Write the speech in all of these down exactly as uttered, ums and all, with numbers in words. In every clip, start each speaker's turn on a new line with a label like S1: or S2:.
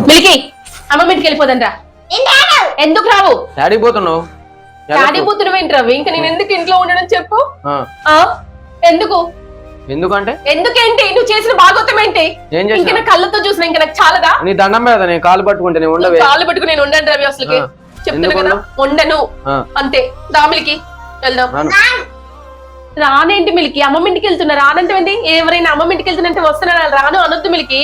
S1: మిల్కి అమ్మమ్మ ఇంటికి వెళ్ళిపోదండ్రా. ఎందుకు రావు?
S2: డాడీ పోతున్నావు.
S1: డాడీ పోతున్నావు ఏంటి రవి? ఇంకా నేను ఎందుకు ఇంట్లో ఉండడం చెప్పు. ఎందుకు
S2: ఎందుకంటే
S1: ఎందుకేంటి? నువ్వు చేసిన భాగవతం ఏంటి? ఇంకా నా కళ్ళతో చూసిన ఇంకా నాకు చాలదా?
S2: నీ దండం మీద నేను కాలు పట్టుకుంటే నేను ఉండవే.
S1: కాలు పట్టుకుని నేను ఉండను రవి. అసలు చెప్తున్నా కదా ఉండను అంతే. రామిలికి వెళ్దాం. రానేంటి మిలికి? అమ్మమ్మ ఇంటికి వెళ్తున్నా రానంటే ఏంటి? ఎవరైనా అమ్మమ్మ ఇంటికి వెళ్తున్నంటే వస్తున్నా రాను అనొద్దు మిలికి.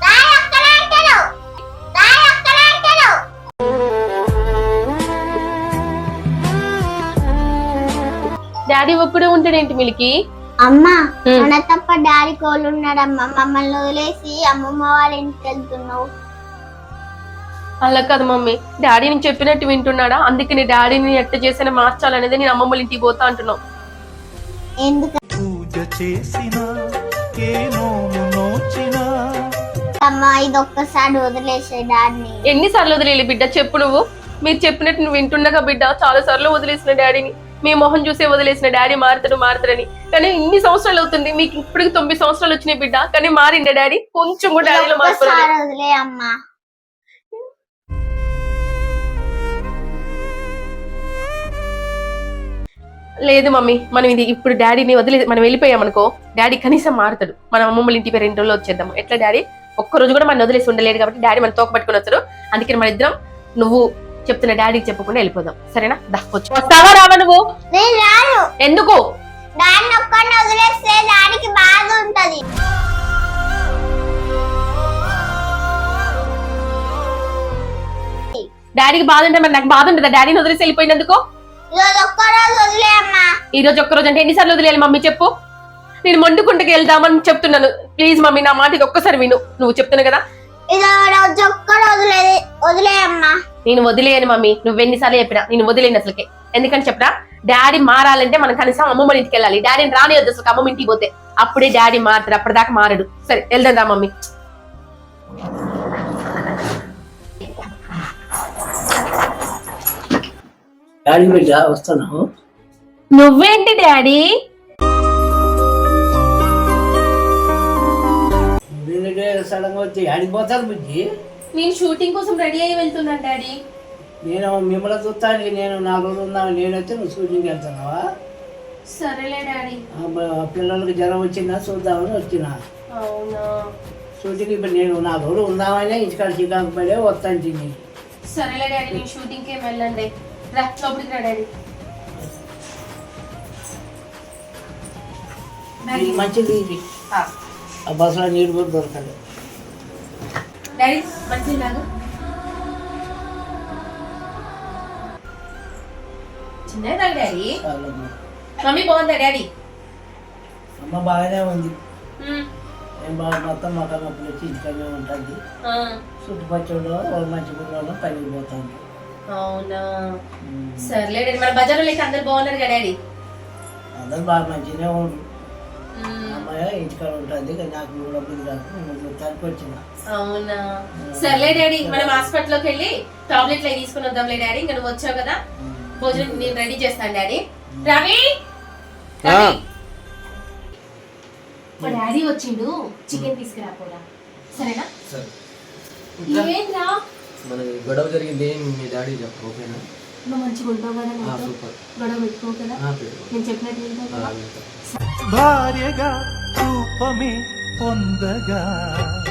S1: డాడీ ఒక్కడే ఉంటాడేంటి మిలికి?
S3: అమ్మా మన తప్ప డాడీ కోళ్ళు ఉన్నాడమ్మా. మమ్మల్ని వదిలేసి అమ్మమ్మ వాళ్ళ ఇంటికి వెళ్తున్నావు.
S1: అలా కాదు మమ్మీ, డాడీ నేను చెప్పినట్టు వింటున్నాడా? అందుకే నీ డాడీని ఎట్ట చేసిన మార్చాలనేది నేను అమ్మమ్మ ఇంటికి పోతా అంటున్నావు.
S3: ఎందుకు అమ్మా ఇది ఒక్కసారి వదిలేసే డాడీని.
S1: ఎన్నిసార్లు వదిలేలి బిడ్డ చెప్పు నువ్వు? మీరు చెప్పినట్టు నువ్వు వింటుండగా బిడ్డ చాలా సార్లు వదిలేసిన డాడీని. మీ మొహం చూసే వదిలేసిన డాడీ మారుతాడు మారుతాడని. కానీ ఇన్ని సంవత్సరాలు అవుతుంది, మీకు ఇప్పటికి తొమ్మిది సంవత్సరాలు వచ్చినాయి బిడ్డ. కానీ మారిండే డాడీ కొంచెం కూడా డాడీలో మారుతాడు.
S3: వదిలే అమ్మా.
S1: లేదు మమ్మీ, మనం ఇది ఇప్పుడు డాడీని వదిలే మనం వెళ్ళిపోయామనుకో డాడీ కనీసం మారుతాడు. మనం అమ్మమ్మల ఇంటి పేరు రెండు రోజులు వచ్చేద్దాం. ఎట్లా డాడీ ఒక్క రోజు కూడా మనం వదిలేసి ఉండలేడు కాబట్టి డాడీ మన తోక పట్టుకుని వచ్చాడు. అందుకని మన ఇద్దరం నువ్వు చెప్తున్న డాడీకి చెప్పకుండా వెళ్ళిపోదాం. సరేనా? దక్కొచ్చు. వస్తావా రావా నువ్వు? ఎందుకు?
S3: డాడీని ఒక్కడిని వదిలేస్తే డాడీకి బాధ ఉంటది.
S1: డాడీకి బాధ ఉంటే మరి నాకు బాధ ఉంటుందా డాడీని వదిలేసి వెళ్ళిపోయినందుకు? ఈ రోజు ఒక్క రోజు అంటే ఎన్నిసార్లు వదిలేయాలి మమ్మీ చెప్పు? నేను మొండుకుంటకి వెళ్దామని చెప్తున్నాను. ప్లీజ్ మమ్మీ నా మాట ఇది ఒక్కసారి విను. నువ్వు చెప్తున్నా కదా నేను వదిలేయను మమ్మీ. నువ్వు ఎన్నిసార్లు చెప్పినా నేను వదిలేను అసలుకే. ఎందుకని చెప్పరా? డాడీ మారాలంటే మనం కనీసం అమ్మమ్మ ఇంటికి వెళ్ళాలి. డాడీని రానివద్దు అసలు. అమ్మమ్మ ఇంటికి పోతే అప్పుడే డాడీ మారుతాడు. అప్పటిదాకా మారడు. సరే వెళ్దాం రా మమ్మీ.
S4: డాడీ బిడ్డ వస్తున్నావు.
S1: నువ్వేంటి డాడీ?
S4: సడన్ గా వచ్చి ఆడిపోతాను బుజ్జి.
S1: నేను షూటింగ్ కోసం రెడీ అయ్యి వెళ్తున్నాను డాడీ.
S4: నేను మిమ్మల్ని చూస్తాను. నేను నాలుగు రోజులు ఉన్నాను. నేను వచ్చి నువ్వు షూటింగ్కి వెళ్తున్నావా?
S1: సరేలే డాడీ.
S4: పిల్లలకి జ్వరం వచ్చిందా చూద్దామని వచ్చిన.
S1: అవునా?
S4: షూటింగ్ ఇప్పుడు నేను నాలుగు రోజులు ఉందామని ఇంటికాడ శ్రీకాకు పడే వస్తాను.
S1: సరేలే డాడీ, నేను షూటింగ్కి వెళ్ళండి. రా లోపలికి రా డాడీ.
S4: మంచిది ఇది. ఆ బస్సులో నీరు కూడా దొరకదు.
S1: డాడీ మంచిది లాగా చిన్నదా డాడీ? మమ్మీ బాగుందా డాడీ?
S4: అమ్మ బాగానే ఉంది. ఏం బాగా మొత్తం మొక్క నొప్పులు వచ్చి ఇంటికనే ఉంటుంది. చుట్టుపక్కల మంచి గుడ్లలో పైకి పోతాను.
S1: అవునా? సర్లే డాడీ. మన బజార్లో లేక అందరు బాగున్నారు కదా డాడీ?
S4: అందరు బాగా మంచిగానే ఉండు. అమ్మాయి ఇంటికాడ ఉంటుంది. నాకు కూడా బుద్ధి కాదు. నేను చూడటానికి వచ్చిన.
S1: అవునా? సర్లే డాడీ, మనం హాస్పిటల్లోకి వెళ్ళి టాబ్లెట్లు అవి తీసుకుని వద్దాంలే డాడీ. ఇంకా నువ్వు వచ్చావు కదా, భోజనం నేను రెడీ చేస్తాను డాడీ. రవి మా డాడీ వచ్చిండు, చికెన్ తీసుకురాపోరా. సరేనా? ఏంట్రా
S2: మనకి గొడవ జరిగింది మీ డాడీ చెప్పు. ఓకేనా?
S1: నువ్వు మంచిగా ఉంటావు కదా, గొడవ పెట్టుకోవు కదా, నేను చెప్పినట్టు వింటావు కదా.
S5: భార్యగా రూపమే పొందగా